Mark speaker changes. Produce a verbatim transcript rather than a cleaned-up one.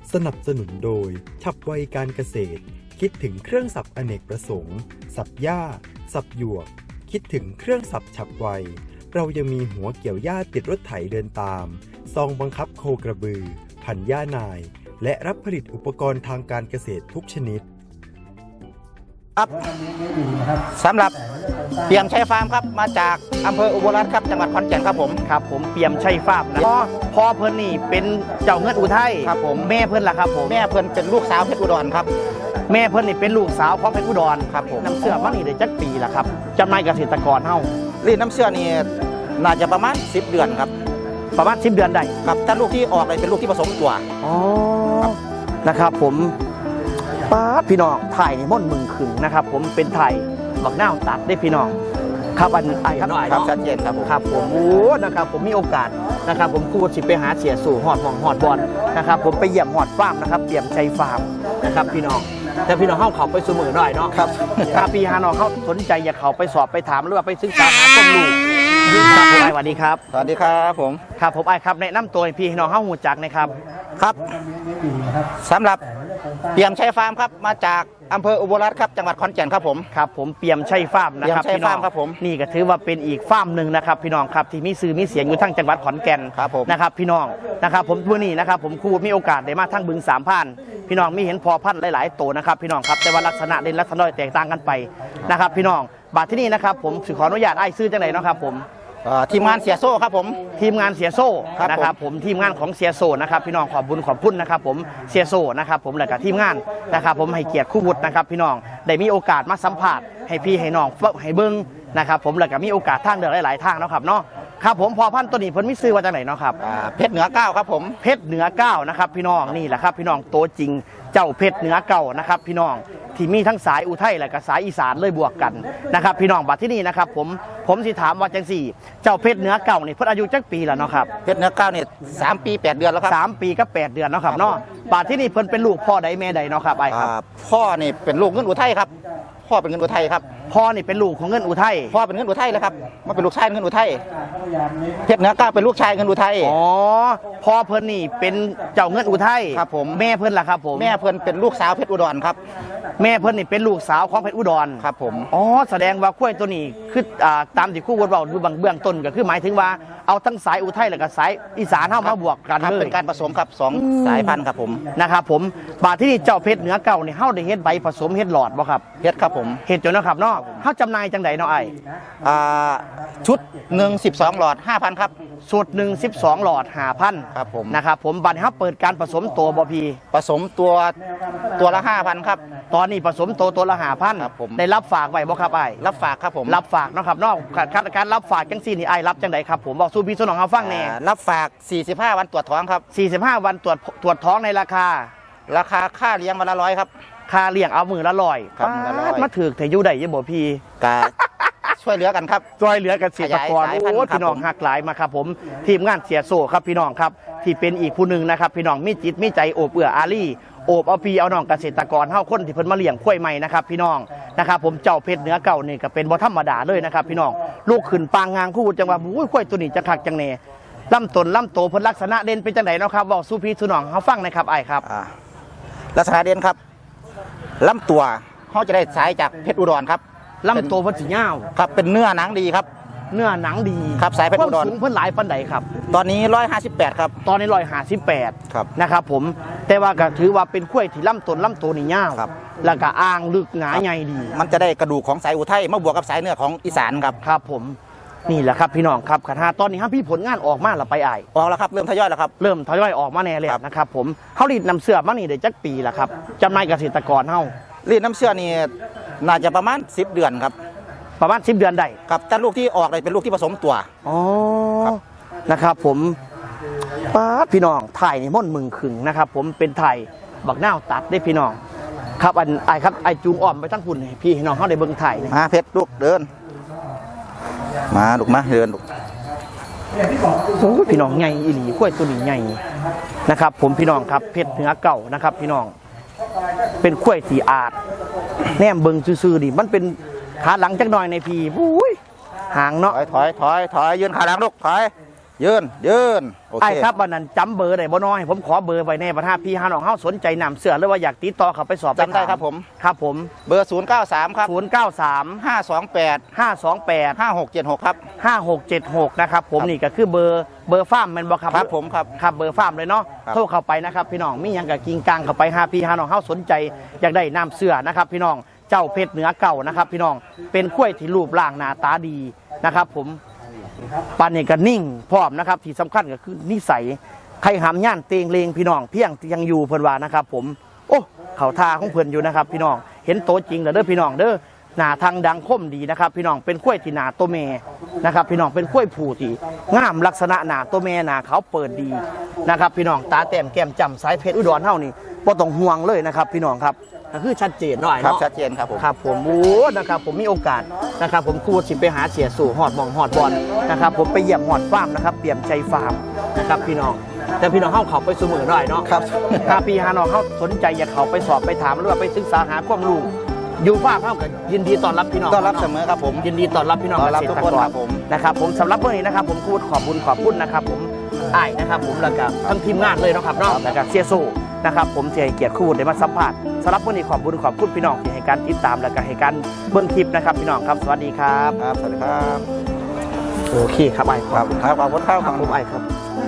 Speaker 1: สนับสนุนโดยฉับไวการเกษตรคิดถึงเครื่องสับอเนกประสงค์สับหญ้าสับหยวกคิดถึงเครื่องสับฉับไวเรายังมีหัวเกี่ยวหญ้าติดรถไถเดินตามซองบังคับโคกระบือพันหญ้านายและรับผลิตอุปกรณ์ทางการเกษตรทุกชนิด
Speaker 2: ครับสำหรับเปี่ยมชัยฟาร์มครับมาจากอำเภออุบลรัตน์ครับจังหวัดขอนแก่นครับผม
Speaker 3: ครับผมเปี่ยมชัยฟาร์มนะพ่อพ่อเพิ่นนี่เป็นเจ้าเงินอุทัย
Speaker 2: ครับผม
Speaker 3: แม่เพิ่นล่ะครับผม
Speaker 2: แม่เพิ่นเป็นลูกสาวเพชรอุดรครับ
Speaker 3: แม่เพิ่นนี่เป็นลูกสาวของเพชรอุดร
Speaker 2: ครับผม
Speaker 3: น้ำเชื่อมันนี่ได้จักปีล่ะครับจำนายเกษตรกรเฮา
Speaker 2: รีดน้ำเชื่อนี่น่าจะประมาณสิบเดือนครับ
Speaker 3: ประมาณสิบเดือนได้
Speaker 2: ครับถ้าลูกที่ออกเลยเป็นลูกที่ผสมตัว
Speaker 3: อ๋อนะครับผมป้าพี่น้องถ่ายนี่ม่อนมึงขึงนะครับผมเป็นถ่ายบักหน้าตัดได้พี่น้องครับอันไอ้ครับ
Speaker 2: ครับชัดเจนครับ
Speaker 3: ครับผมโอ้นะครับผมมีโอกาสนะครับผมพูดสิไปหาเสียสู่หอดหมองหอดบอลนะครับผมไปเยี่ยมหอดฟาร์มนะครับเปี่ยมชัยฟาร์มนะครับพี่น้องแต่พี่น้องเข้าเขาไปสมือหน่อยเนาะ
Speaker 2: ครับ
Speaker 3: ถ้าพี่ฮานอเขาสนใจอยากเขาไปสอบไปถามหรือว่าไปศึกษาหาข้อมูลครับผมไอ้สวัสดีครับ
Speaker 2: สวัสดีครับผม
Speaker 3: ครับผมไอ้ครับแนะนำตัวพี่น้องเข้าหูจักนะครับ
Speaker 2: ครับสำหรับเปี่ยมชัยฟาร์มครับมาจากอำเภออุบลรัตน์ครับจังหวัดขอนแก่นครับผม
Speaker 3: ครับผมเปี่ยมชัยฟาร์มนะครับ
Speaker 2: พี่น้องครับผม
Speaker 3: นี่ก็ถือว่าเป็นอีกฟาร์มหนึ่งนะครับพี่น้องครับที่มีสื่อมีเสียงอยู่ทั้งจังหวัดขอนแก่น
Speaker 2: ครับผม
Speaker 3: นะครับพี่น้องนะครับผมผู้นี้นะครับผมครูมีโอกาสได้มาทั้งบึงสามพันพี่น้องมีเห็นพอพันธุ์หลายๆตัวนะครับพี่น้องครับแต่ว่าลักษณะเด่นลักษณะแตกต่างกันไปนะครับพี่น้องบาทที่นี่นะครับผมขออนุญาตไอ้ซื้อจังไหนนะครับผม
Speaker 2: ทีมงานเสียโซ่ครับผม
Speaker 3: ทีมงานเสียโซ่นะครับผมทีมงานของเสียโซ่นะครับพี่น้องขอบบุญขอบคุณนะครับผมเสียโซ่นะครับผมและกับทีมงานนะครับผมให้เกียรติคู่วุฒินะครับพี่น้องได้มีโอกาสมาสัมผัสให้พี่ให้น้องให้เบิ้งนะครับผมและกับมีโอกาสทางเดินหลายๆทางนะครับเนาะครับผมพอพันตัวนี้เพิ่นมีซื้อว่าจากไหนเนาะครับ
Speaker 2: เพชรเหนือเก้าครับผม
Speaker 3: เพชรเหนือเก้านะครับพี่น้องนี่แหละครับพี่น้องตัวจริงเจ้าเพชรเหนือเก้านะครับพี่น้องที่มีทั้งสายอุทัยและก็สายอีสานเลยบวกกันนะครับพี่น้องบัดที่นี่นะครับผมผมสิถามว่าจังสี่เจ้าเพชรเหนือเก่านี่เพิ่นอายุจักปีแล้วเนาะครับ
Speaker 2: เพชรเหนือเก้านี่สามปีแปดเดือนแล้วครับ
Speaker 3: สามปีก็แปดเดือนเนาะครับเนาะบัดที่นี่เพิ่นเป็นลูกพ่อใดแม่ใดเนาะครับไอ้ครับ
Speaker 2: พ่อนี่เป็นลูกเงินอุทัยครับพ่อเป็นเงินอุทัยครับ
Speaker 3: พ่อนี่เป็นลูกของเงินอุทัย
Speaker 2: พ่อเป็นเงินอุทัยแล้วครับมันเป็นลูกชายเงินอุทัยเพชรเหนือเก้าเป็นลูกชายเงินอุทัย
Speaker 3: อ๋อพ่อเพิ่นนี่เป็นเจ้าเงินอุทัย
Speaker 2: ครับผม
Speaker 3: แม่เพิ่นล่ะครับผม
Speaker 2: แม่เพิ่นเป็นลูกสาวเพชรอุดรครับ
Speaker 3: แม่เพิ่นนี่เป็นลูกสาวของเพชรอุดร
Speaker 2: ครับผม
Speaker 3: อ๋อแสดงว่าข้วยตัวนี้คืออ่าตามที่ครูวดเว้าดูบางเบื้องต้นก็คือหมายถึงว่าเอาทั้งสายอุทัยและก็สายอีสานเข้ามาบวกกัน
Speaker 2: เลยเป็นการผสมครับสองสายพันธุ์ครับผม
Speaker 3: นะครับผมบาดที่นี่เจ้าเพชรเหนือเก่านี่เฮาได้เฮ็ดใบผสมเฮ็ดหลอดบ่ครับ
Speaker 2: เฮ็ดครับผม
Speaker 3: เฮ็ดจนนะครับเนาะเฮาจำหน่ายจังได๋เนาะไอ้
Speaker 2: อ่าชุดหนึ่ง สิบสองหลอด ห้าพัน ครับ
Speaker 3: ชุดหนึ่ง สิบสองหลอด ห้าพัน
Speaker 2: ครับผม
Speaker 3: นะครับผมบัดนี้เฮาเปิดการผสมตัวบ่พี่
Speaker 2: ผสมตัวตัวละ ห้าพัน ครับ
Speaker 3: ตอนนี้ผสมตัวตัวละ ห้าพัน
Speaker 2: ครับผม
Speaker 3: ได้รับฝากไว้บ่ครับไอ้
Speaker 2: รับฝากครับผม
Speaker 3: รับฝากเนาะครับเนาะการรับฝากจังซี่นี่ไอ้รับจังได๋ครับผมบอกสู่พี่สู่น้องเฮาฟังแน่
Speaker 2: รับฝากสี่สิบห้าวันตรวจท้องครับ
Speaker 3: สี่สิบห้าวันตรวจตรวจท้องในราคา
Speaker 2: ราคาค่าเลี้ยงวันละร้อยครับ
Speaker 3: ค่าเลี้ยงเอามือละร้อย
Speaker 2: ครับ
Speaker 3: มาถือแต่อยู่ได้ยังบ่พี่
Speaker 2: กะช่วยเหลือกันครับ
Speaker 3: ช่วยเหลือกันเกษตรกรโอ้พี่น้องหักหลายมาครับผมทีมงานเสียโซ่ครับพี่น้องครับที่เป็นอีกผู้หนึ่งนะครับพี่น้องมีจิตมีใจโอบเอื้ออารีโอบเอาพี่เอาน้องเกษตรกรเฮาคนที่เพิ่นมาเลี้ยงข้วยใหม่นะครับพี่น้องนะครับผมเจ้าเพชรเหนือเก่านี่ก็เป็นบ่ธรรมดาเลยนะครับพี่น้องลูกขึ้นปางงางคู่จังว่าอุ้ยข้วยตัวนี้จะคักจังแน่ลำต้นลำโตเพิ่นลักษณะเด่นเป็นจังไดเนาะครับบอกสู่พี่สู่น้องเฮาฟังนะครับไอ้ครับ
Speaker 2: ลักษณะเด่นครับลำตัวเขาจะได้สายจากเพชรอุดรครับ
Speaker 3: ลำตัวเพิ่นสิยาว
Speaker 2: ครับเป็นเนื้อหนังดีครับ
Speaker 3: เนื้อหนังดี
Speaker 2: ครับสายเพชรอุดร
Speaker 3: สูงเพิ่นหลายปานใดครับ
Speaker 2: ตอนนี้หนึ่งร้อยห้าสิบแปดครับ
Speaker 3: ตอนนี้หนึ่งร้อยห้าสิบแปด
Speaker 2: ครับ
Speaker 3: นะครับผมแต่ว่าก็ถือว่าเป็นข้วยที่ลำต้นลำโตนี่ยาว
Speaker 2: ครับ
Speaker 3: แล้วก็อ่างลึกหนาใหญ่ดี
Speaker 2: มันจะได้กระดูกของสายอุทัยมาบวกกับสายเนื้อของอีสานครับ
Speaker 3: ครับผมนี่แหละครับพี่น้องครับคณะตอนนี้ครับพี่ผลงานออกมาแล้วไปไอ
Speaker 2: ออกแล้วครับเริ่มทยอยแล้วครับ
Speaker 3: เริ่มทยอยออกมาแน่เลยนะครับผมเขารีดนำเสื้อมานี่ได้จักปีแล้วครับจำนายเกษตรกรเฮา
Speaker 2: รีดน้ำเสื้อนี่น่าจะประมาณสิบเดือนครับ
Speaker 3: ประมาณสิบเดือนได้
Speaker 2: ครับแต่ลูกที่ออกเลยเป็นลูกที่ผสมตัว
Speaker 3: อ๋อนะครับผมป้าพี่น้องถ่ายนี่ม่อนมึงขึงนะครับผมเป็นถ่ายบักหน้าตัดได้พี่น้องครับอันไอครับไอจูงอ่อมไปทั้งคุณพี่น้องเขาได้เบิ่งถ่าย
Speaker 2: มาเพชรลูกเดินมาลูกมาเดินลูก
Speaker 3: โอ้พี่น้องใหญ่อีหลีกล้วยตัวนี้ใหญ่นะครับผมพี่น้องครับเพชรเหนือเก่านะครับพี่น้องเป็นกล้วยสีอาดแนมเบิ่งซื่อๆดิมันเป็นขาหลังจักหน่อยในพี่อุ้ยหางเนาะ
Speaker 2: ถอยถอยถอยถอยยืนขาหลังลูกถอยยืนยืนโอเค
Speaker 3: ไอ้ครับวันนั้นจำเบอร์ได้บ่น้อยผมขอเบอร์ไว้แน่ประธานพี่ฮาน้องเฮาสนใจนำเสื้อหรือว่าอยากติดต่อเขาไปสอบ
Speaker 2: จำได้ครับผม
Speaker 3: ครับผม
Speaker 2: เบอร์ศูนย์เก้าสามครับ
Speaker 3: ศูนย์เก้าสาม
Speaker 2: ห้าสองแปด
Speaker 3: ห้าสองแปด
Speaker 2: ห้าหกเจ็ดหกครับ
Speaker 3: ห้าหกเจ็ดหกนะครับผม
Speaker 2: ครับ
Speaker 3: นี่ก็คือเบอร์เบอร์ฟาร์มแม่นบ่ครับ
Speaker 2: ครับผมครับ
Speaker 3: ครับเบอร์ฟาร์มเลยเนาะ
Speaker 2: ครับ
Speaker 3: โทรเข้าไปนะครับพี่น้องมีหยังกับกิงกังเข้าไปหาพี่หาน้องเฮาสนใจอยากได้น้ำเสื้อนะครับพี่น้องเจ้าเพชรเหนือเก่านะครับพี่น้องเป็นกล้วยที่รูปร่างหน้าตาดีนะครับผมปานนี้ก็นิ่งพร้อมนะครับที่สำคัญก็คือนิสัยใครหามย่านเตงเลงพี่น้องเพียงยังอยู่เพิ่นว่านะครับผมโอ้เขาทาของเพิ่นอยู่นะครับพี่น้องเห็นโตจริงแล้วเด้อพี่น้องเด้อหน้าทางดังคมดีนะครับพี่น้องเป็นกล้วยที่หน้าโตแม่นะครับพี่น้องเป็นกล้วยผู้ที่งามลักษณะหน้าโตแม่หน้าเขาเปิดดีนะครับพี่น้องตาแต้มแก้มจำสายเพชรอุดรเฮานี่บ่ต้องห่วงเลยนะครับพี่น้องครับก็คือชัดเจนหน่อย
Speaker 2: ครับ
Speaker 3: เนาะ
Speaker 2: ชัดเจนครับผม
Speaker 3: ครับผมโอ้นะครับผมมีโอกาสนะครับผมครูสิไปหาเสียสู่หอดหมองหอดบอลนะครับผมไปเยี่ยมหอดฟาร์มนะครับเปี่ยมใจฟาร์มนะครับพี่น้องแต่พี่น้องเข้าเขาไปเสมอหน่อยเนาะ
Speaker 2: ครับ
Speaker 3: ถ้าพี่ฮานองเขาสนใจอยากเขาไปสอบไปถามหรือว่าไปศึกษาหาความรู้อยู่ฟาร์มเข้ากันยินดีต้อนรับพี่น้อง
Speaker 2: ต้อนรับเสมอครับผม
Speaker 3: ยินดีต้อนรับพี่น้อง
Speaker 2: ต้อนรับ
Speaker 3: เกษ
Speaker 2: ทุก
Speaker 3: ตร
Speaker 2: คน
Speaker 3: กร
Speaker 2: ครับผม
Speaker 3: นะครับผมสำหรับเมื่อนี้นะครับผมพูดขอบคุณขอบคุณนะครับผมอ้ายนะครับผมแล้วก็ทั้งทีมงานเลยเนาะครับเนาะแล้วก็เสียสู้นะครับผมที่ให้เกียรติคู่ได้มาสัมผัสสำหรับวันนี้ขอบคุณขอบคุณพี่น้องที่ให้การติดตามและก็ให้การเบิ่งคลิปนะครับพี่น้องครับสวัสดีครับ
Speaker 2: ครับสวัสดีครับ
Speaker 3: โอเคครับไอ้าย
Speaker 2: ครับครับขอบคุณครับ
Speaker 3: ครับผมไอ้ายครับ